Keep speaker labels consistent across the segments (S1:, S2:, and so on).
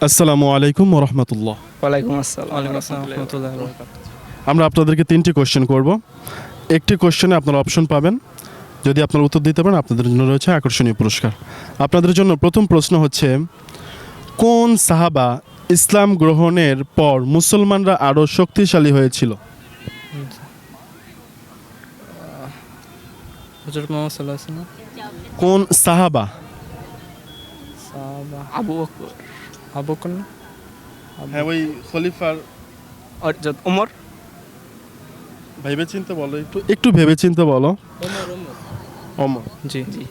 S1: আসসালামু আলাইকুম ওয়া রাহমাতুল্লাহ।
S2: ওয়ালাইকুম আসসালাম রাহমাতুল্লাহি ওয়া বারাকাতুহু।
S1: আমরা আপনাদেরকে 3টি কোশ্চেন করব। একটি কোশ্চেনে আপনারা অপশন পাবেন। যদি আপনারা উত্তর দিতে পারেন আপনাদের জন্য রয়েছে আকর্ষণীয় পুরস্কার। আপনাদের জন্য প্রথম প্রশ্ন হচ্ছে, কোন সাহাবা ইসলাম গ্রহণের পর মুসলমানরা আরও শক্তিশালী হয়েছিল?
S2: হযরত মুহাম্মদ সাল্লাল্লাহু আলাইহি ওয়াসাল্লাম।
S1: কোন সাহাবা?
S2: সাহাবা আবু বকর। আবু বকর না?
S1: হ্যাঁ, ওই খলিফার।
S2: হযরত ওমর।
S1: ভেবেচিন্তে বলো, একটু ভেবেচিন্তে বলো। ওমর।
S2: জি জি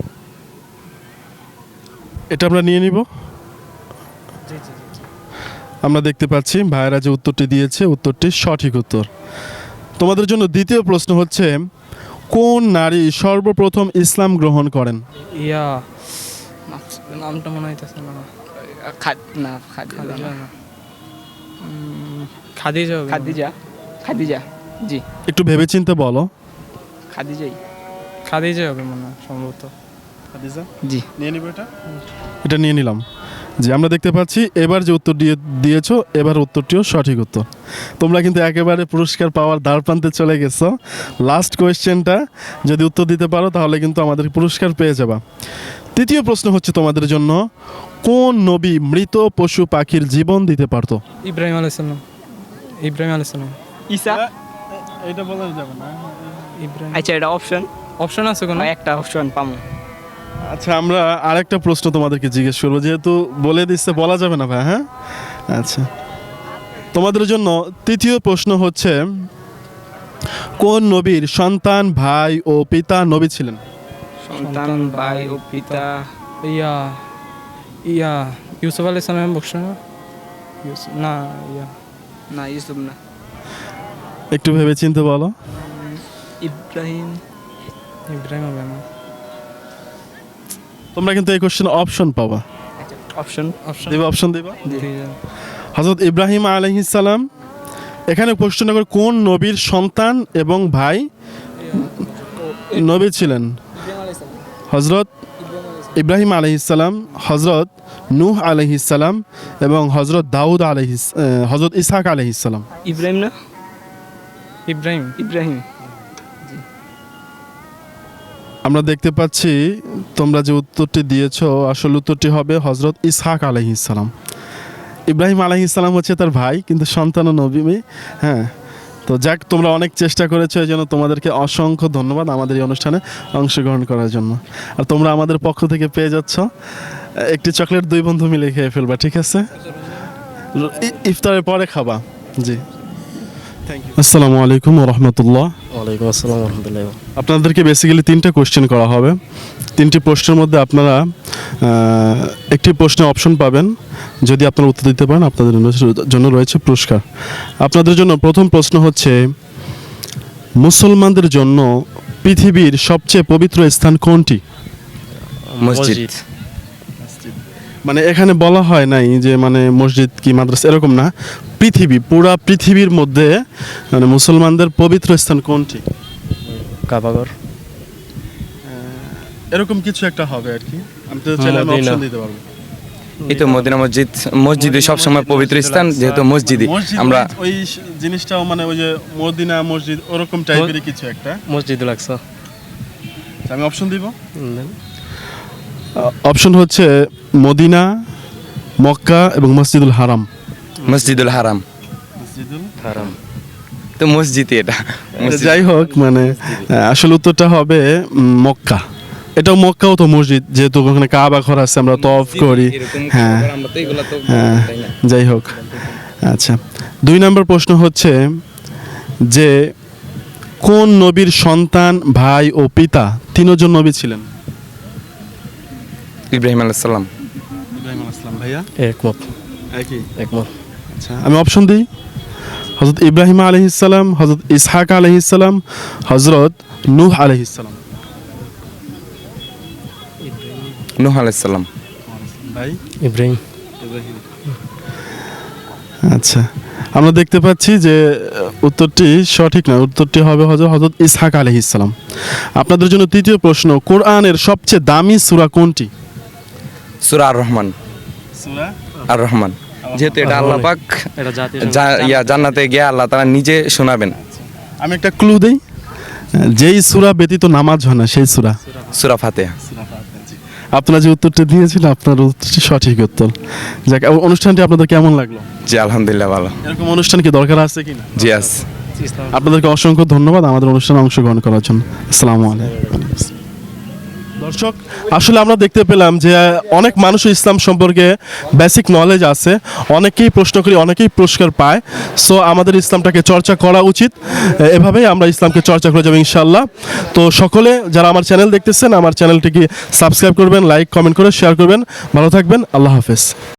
S1: এটা আমরা নিয়ে নিব।
S2: জি জি।
S1: আমরা দেখতে পাচ্ছি ভাইয়েরা যে উত্তরটি দিয়েছে উত্তরটি সঠিক উত্তর। তোমাদের জন্য দ্বিতীয় প্রশ্ন হচ্ছে, কোন নারী সর্বপ্রথম ইসলাম গ্রহণ করেন?
S2: ইয়া নামটা মনে হইতাছে না। খাদিজা হবে।
S3: খাদিজা জি
S1: একটু ভেবেচিন্তে বলো।
S2: খাদিজা হবে মনে হয় সম্ভবত।
S3: জি
S1: নিয়ে নিব এটা নিয়ে নিলাম। যে আমরা দেখতে পাচ্ছি এবার যে উত্তর দিয়েছো এবার উত্তরটিও সঠিক উত্তর। তোমরা কিন্তু একেবারে পুরস্কার পাওয়ার দ্বার প্রান্তে চলে গেছো। লাস্ট কোয়েশ্চেনটা যদি উত্তর দিতে পারো তাহলে কিন্তু আমাদের পুরস্কার পেয়ে যাবা। তৃতীয় প্রশ্ন হচ্ছে তোমাদের জন্য, কোন নবী মৃত পশু পাখির জীবন দিতে পারতো?
S2: ইব্রাহিম আলাইহিস সালাম।
S3: ঈসা।
S1: এটা বলা যাবে না।
S2: ইব্রাহিম।
S3: আচ্ছা, এটা
S2: অপশন আছে কোনো?
S3: একটা অপশন পামু।
S1: আচ্ছা, আমরা আরেকটা প্রশ্ন তোমাদেরকে জিজ্ঞেস করবো, যেহেতু বলে দিচ্ছে বলা যাবে না ভাই। হ্যাঁ, আচ্ছা, তোমাদের জন্য তৃতীয় প্রশ্ন হচ্ছে, কোন নবীর সন্তান, ভাই ও পিতা নবী ছিলেন?
S3: সন্তান, ভাই ও পিতা।
S2: ইয়া ইউসুফ আলাইহিস সালামের বংশ না? ইউসুফ না,
S3: না, ইউসুফ না।
S1: একটু ভেবে চিন্তে বলো।
S3: ইব্রাহিম
S2: হবে না।
S1: তোমরা কিন্তু এই কোশ্চেন অপশন পাবা।
S3: অপশন
S1: অপশন দিবা। হযরত ইব্রাহিম আলাইহিস সালাম। এখানে প্রশ্ন করে কোন নবীর সন্তান এবং ভাই নবী ছিলেন? হযরত ইব্রাহিম আলাইহিস সালাম, হযরত নূহ আলাইহিস সালাম এবং হযরত দাউদ হযরত ইসহাক আলাইহিস সালাম।
S3: ইব্রাহিম না?
S2: ইব্রাহিম।
S1: আমরা দেখতে পাচ্ছি তোমরা যে উত্তরটি দিয়েছো আসল উত্তরটি হবে হযরত ইসহাক আলাইহিস সালাম। ইব্রাহিম আলাইহিস সালাম হচ্ছে তার ভাই, কিন্তু সন্তান ও নবী। হ্যাঁ, তো যাক, তোমরা অনেক চেষ্টা করেছো, এই জন্য তোমাদেরকে অসংখ্য ধন্যবাদ আমাদের এই অনুষ্ঠানে অংশগ্রহণ করার জন্য। আর তোমরা আমাদের পক্ষ থেকে পেয়ে যাচ্ছ একটি চকলেট, 2 বন্ধু মিলে খেয়ে ফেলবা, ঠিক আছে? ইফতারের পরে খাবা। জি, আসসালামু আলাইকুম ওয়া রাহমাতুল্লাহ।
S4: ওয়ালাইকুম আসসালাম ওয়া রাহমাতুল্লাহি।
S1: আপনাদেরকে বেসিক্যালি 3টা কোশ্চেন করা হবে। 3টি প্রশ্নের মধ্যে আপনারা একটি প্রশ্নে অপশন পাবেন। যদি আপনারা উত্তর দিতে পারেন আপনাদের জন্য রয়েছে পুরস্কার। আপনাদের জন্য প্রথম প্রশ্ন হচ্ছে, মুসলমানদের জন্য পৃথিবীর সবচেয়ে পবিত্র স্থান কোনটি?
S4: মসজিদ।
S1: মানে এখানে বলা হয় নাই যে মানে মসজিদ কি মাদ্রাসা, এরকম না। পুরা পৃথিবীর মধ্যে মানে মুসলমানদের পবিত্র স্থান কোনটি?
S4: কাবাঘর।
S1: এরকম কিছু একটা হবে আর কি। আমি তো চাইলে অপশন দিতে পারবো।
S4: এই তো মদিনা মসজিদে সব সময় পবিত্র স্থান, যেহেতু মসজিদে আমরা
S1: ওই জিনিসটাও মানে ওই যে মদিনা মসজিদ ওরকম টাইপেরই কিছু একটা
S4: মসজিদ লাগছে।
S1: আমি অপশন দিব। অপশন হচ্ছে মদিনা, মক্কা এবং মসজিদুল হারাম।
S4: মসজিদুল হারাম। তো মসজিদই এটা।
S1: যাই হোক, মানে আসল উত্তরটা হবে মক্কা। এটাও মক্কাও তো মসজিদ, যেহেতু ওখানে কাবা ঘর আছে, আমরা তওয়াফ করি। হ্যাঁ হ্যাঁ, যাই হোক। আচ্ছা, 2 নম্বর প্রশ্ন হচ্ছে যে, কোন নবীর সন্তান, ভাই ও পিতা 3জন নবী ছিলেন?
S4: ইব্রাহিম আলাইহিস সালাম।
S1: ইব্রাহিম আলাইহিস সালাম। ভাইয়া
S4: একমত।
S1: আচ্ছা, আমি অপশন দিই। হযরত ইব্রাহিম আলাইহিস সালাম, হযরত ইসহাক আলাইহিস সালাম, হযরত নূহ আলাইহিস সালাম।
S4: নূহ আলাইহিস সালাম।
S1: ভাই
S4: ইব্রাহিম।
S1: আচ্ছা, আমরা দেখতে পাচ্ছি যে উত্তরটি সঠিক না। উত্তরটি হবে হযরত ইসহাক আলাইহিস সালাম। আপনাদের জন্য তৃতীয় প্রশ্ন, কোরআনের সবচেয়ে দামি সূরা কোনটি?
S4: সূরা আর রহমান।
S1: সূরা
S4: আর রহমান। যেহেতু এটা আল্লাহ পাক
S2: এটা জাতীয়
S4: জান্নাতে গিয়ে আল্লাহ তাআলা নিজে শোনাবেন।
S1: আমি একটা ক্লু দেই, যেই সূরা ব্যতীত নামাজ হয় না সেই সূরা।
S4: সূরা ফাতিহা।
S1: আপনারা যে উত্তরটা দিয়েছিলেন আপনার উত্তরটি সঠিক উত্তর। যাক, অনুষ্ঠানটি আপনাদের কেমন লাগলো?
S4: জি আলহামদুলিল্লাহ ভালো।
S1: এরকম অনুষ্ঠান কি দরকার আছে কিনা?
S4: জি আস।
S1: আপনাদেরকে অসংখ্য ধন্যবাদ আমাদের অনুষ্ঠানে অংশগ্রহণ করার জন্য। আসসালামু আলাইকুম। দর্শক, আসলে আমরা দেখতে পেলাম যে অনেক মানুষ ইসলাম সম্পর্কে বেসিক নলেজ আছে, অনেকেই প্রশ্ন করি, অনেকেই পুরস্কার পায়। সো আমাদের ইসলামটাকে চর্চা করা উচিত, এভাবেই আমরা ইসলামকে চর্চা করে যাবো ইনশাআল্লাহ। তো সকলে যারা আমার চ্যানেল দেখতেছেন, আমার চ্যানেলটিকে সাবস্ক্রাইব করবেন, লাইক কমেন্ট করে শেয়ার করবেন। ভালো থাকবেন, আল্লাহ হাফেজ।